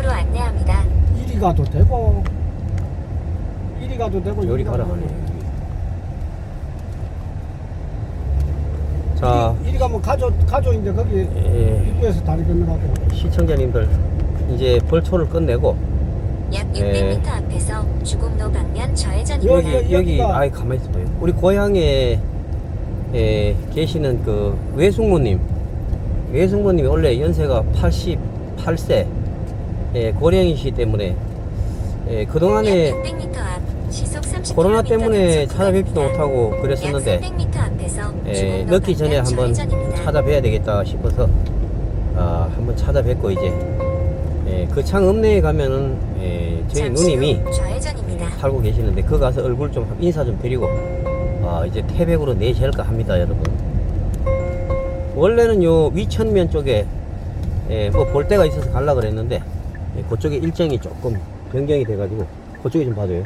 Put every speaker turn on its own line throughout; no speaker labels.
방향으로 안내합니다.
이리 가도 되고 이리 가도 되고
요리 가라 하네. 자,
이리 가면 가조인데 거기
예,
입구에서 다리 건너가고.
시청자님들 이제 벌초를 끝내고
약
예.
600m 앞에서 주곡로 방면 좌회전입니다.
여기
여기가-
아이 가만히 있어봐요. 우리 고향에 계시는 그 외숙모님이 원래 연세가 88세 고령이시기 때문에 그동안에
약 600m 앞 시속 30km
코로나 때문에
단속
찾아뵙지도
구간입니다.
못하고 그랬었는데
약 300m 앞에서 주곡로
늦기 전에
방면
한번
좌회전입니다.
찾아뵈야 되겠다 싶어서 한번 찾아뵙고 이제 그 창 읍내에 가면은 저희
잠시
누님이
후 좌회전입니다.
살고 계시는데 그 가서 얼굴 좀 인사 좀 드리고 이제 태백으로 내실까 합니다, 여러분. 원래는 요 위천면 쪽에 뭐 볼 데가 있어서 갈라 그랬는데 그쪽에 일정이 조금 변경이 돼가지고 그쪽에 좀 봐줘요.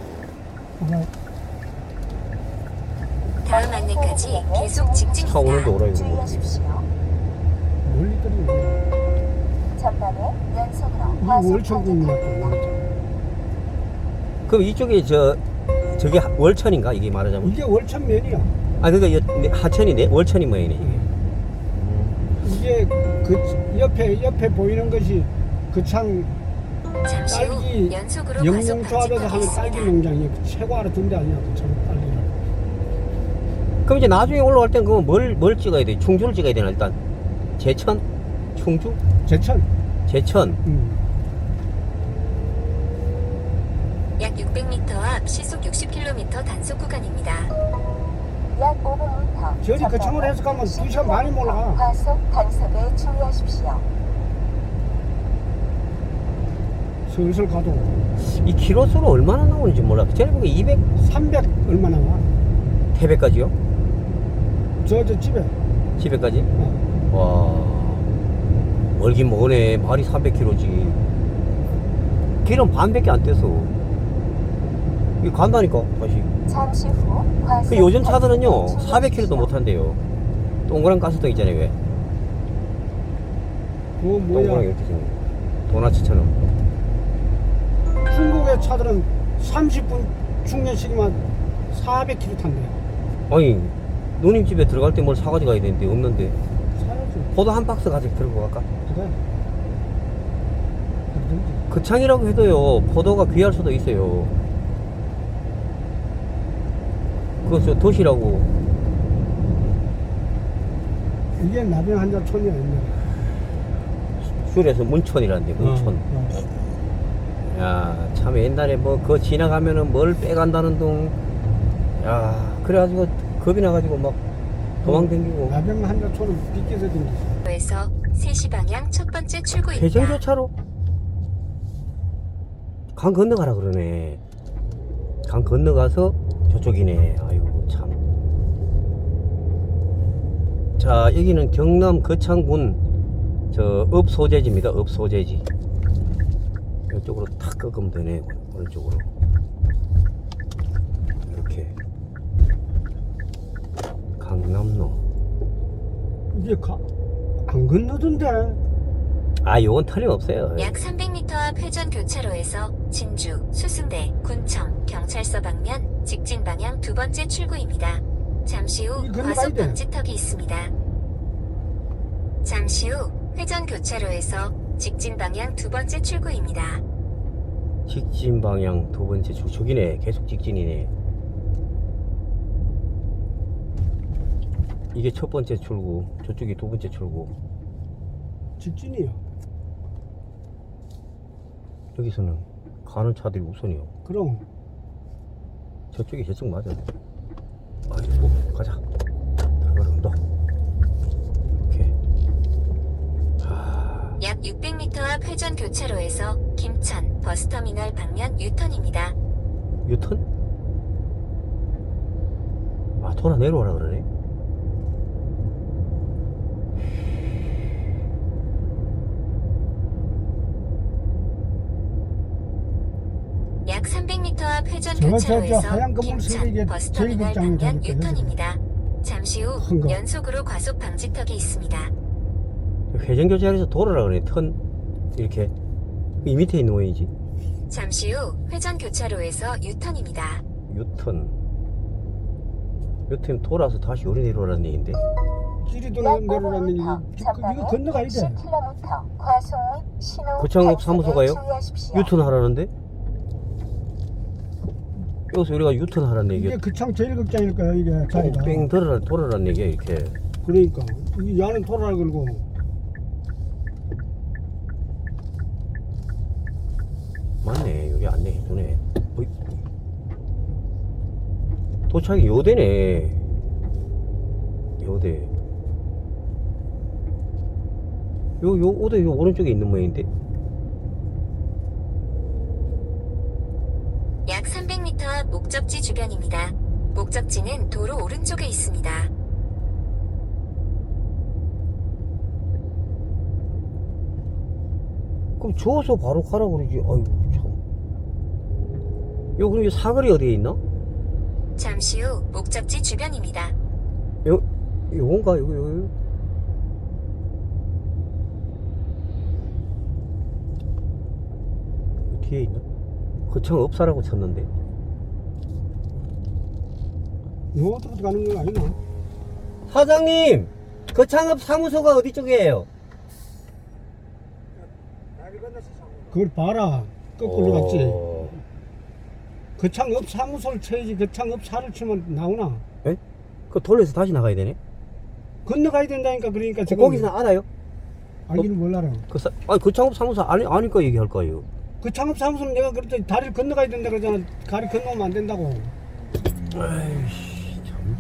다음 안내까지 계속 직진입니다.
차 오는데 오라 이거 뭐.
주의하십시오.
멀리 떨어지네.
전방에 연속으로
이
과속
월천국이니까.
방지턱입니다.
그럼 이쪽에 저게 월천인가 이게 말하자면?
이게 월천면이야.
그러니까 하천이네, 월천이 뭐이네 이게.
이게 그 옆에 보이는 것이 그창
잠시 후
딸기
연속으로 과속
영농조합에서 하는
방지턱이
딸기
있습니다.
농장이 최고 알아둔 데 아니야. 그창 딸기를.
그럼 이제 나중에 올라갈 땐 그거 뭘 찍어야 돼? 충주를 찍어야 되나 일단? 제천? 충주?
제천.
제천.
약 600m 앞 시속 60km 단속 구간입니다.
약 500m.
저리 그창으로 해서 가면 2시간 많이 몰라.
과속 단속에 주의하십시오.
슬슬 가도
이 키로수로 얼마나 나오는지 몰라. 전에 보기 200
300 얼마 나와.
태백까지요?
저 집에.
집에까지?
어.
와, 멀긴 머네. 말이 300km지. 길은 반밖에 안 떼서. 이거 간다니까, 다시.
잠시 후 과속
그 요즘 차들은요,
단속에
400km도
주의하십시오.
못 한대요. 동그란 가스등 있잖아요, 왜?
그거
동그란
뭐야.
이렇게 생긴 거. 도나츠처럼.
중국의 차들은 30분 충전시키면 400km 탄대.
아니, 누님 집에 들어갈 때 뭘 사가지고 가야 되는데, 없는데.
사야지.
포도 한 박스 가지고 들고 갈까?
그래. 그러든지.
그 창이라고 해도요, 포도가 귀할 수도 있어요. 그거 저 도시라고.
이게 나병 한자 촌이야 옛날에.
줄에서 문촌이라는데, 문촌. 야, 참 옛날에 뭐 그거 지나가면은 뭘 빼간다는 둥. 야, 그래가지고 겁이 나가지고 막 도망댕기고.
나병 한자 촌은 빗겨서 댕기지.
에서 3시 방향 첫 번째 출구입니다.
회전교차로 강 건너가라 그러네. 강 건너가서 저쪽이네. 아이고 참. 자, 여기는 경남 거창군 저 읍소재지입니다. 읍소재지. 이쪽으로 탁 꺾으면 되네. 오른쪽으로 이렇게 강남로.
이게 안 건너던데.
요건 틀림없어요.
약 300m 앞 회전 교차로에서 진주, 수승대, 군청, 경찰서 방면 직진 방향 두 번째 출구입니다. 잠시 후
이거
과속
건너가야 돼.
방지턱이 있습니다. 잠시 후 회전 교차로에서 직진 방향 두 번째 출구입니다.
직진 방향 두 번째 저기네. 계속 직진이네. 이게 첫 번째 출구, 저쪽이 두 번째 출구.
직진이야.
여기서는 가는 차들이 우선이요.
그럼
저쪽이 저쪽 맞아. 아이고, 가자. 들어가라, 너. 이렇게.
약 600m 앞 회전 교차로에서 김천 버스터미널 방면 유턴입니다.
유턴? 돌아 내려오라 그러네.
약 300m 앞 회전
저
교차로에서
하얀 건물
김천
세개
버스터미널
제일극장이
방면
되니까
유턴입니다. 잠시 후
큰 거.
연속으로 과속 방지턱이 있습니다.
회전교차로에서 돌아라 그러네. 턴, 이렇게. 이 밑에 있는 모양이지.
잠시 후 회전 교차로에서 유턴입니다.
유턴 돌아서 다시 요리 내려오라는 얘기인데.
길이
약
내려라는
5m
이거
전방에
건너가야 돼.
60km 과속 및 신호
고창읍
단속에
사무소가요?
주의하십시오.
유턴하라는데? 여기서 우리가 유턴하라는
이게
얘기야.
그창 제일 극장일 거야 이게 자리가.
뺑 돌아라는 얘기야 이렇게.
그러니까 이 야는 돌아라 걸고.
맞네. 여기 안내 해주네. 어이. 도착이 요대네. 요대. 오대 요 오른쪽에 있는 모양인데.
약 300m 앞 목적지 주변입니다. 목적지는 도로 오른쪽에 있습니다.
그럼 저어서 바로 가라 그러지. 아이고 참. 요 그럼 이 사거리 어디에 있나?
잠시 후 목적지 주변입니다.
요건가? 요거. 뒤에 있나? 거창 업사라고 쳤는데.
요것부터 가는 건 아니나?
사장님! 거창업 사무소가 어디 쪽이에요?
그걸 봐라. 거꾸로 갔지.
어.
거창읍 사무소를 쳐야지 거창읍 사를 치면 나오나?
에? 그 돌려서 다시 나가야 되네?
건너가야 된다니까. 그러니까 지금
거기서 알아요?
알기를 몰라라.
거창업 사무소 아니까 얘기할 거예요.
거창읍 사무소는 내가 그랬더니 다리를 건너가야 된다 그러잖아. 다리 건너면 안 된다고.
아이씨, 참.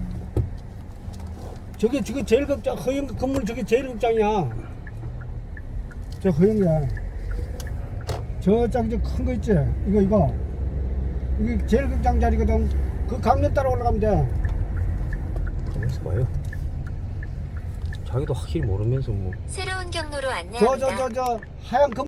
저게 제일 극장 허영 건물 저게 제일 극장이야. 저 허영이야. 저짝 큰 거 있지? 이거 이게 제일 극장 자리거든. 그 강변 따라 올라가면 돼.
가만있어 봐요. 자기도 확실히 모르면서 뭐.
새로운 경로로 안내합니다.
저 하얀 건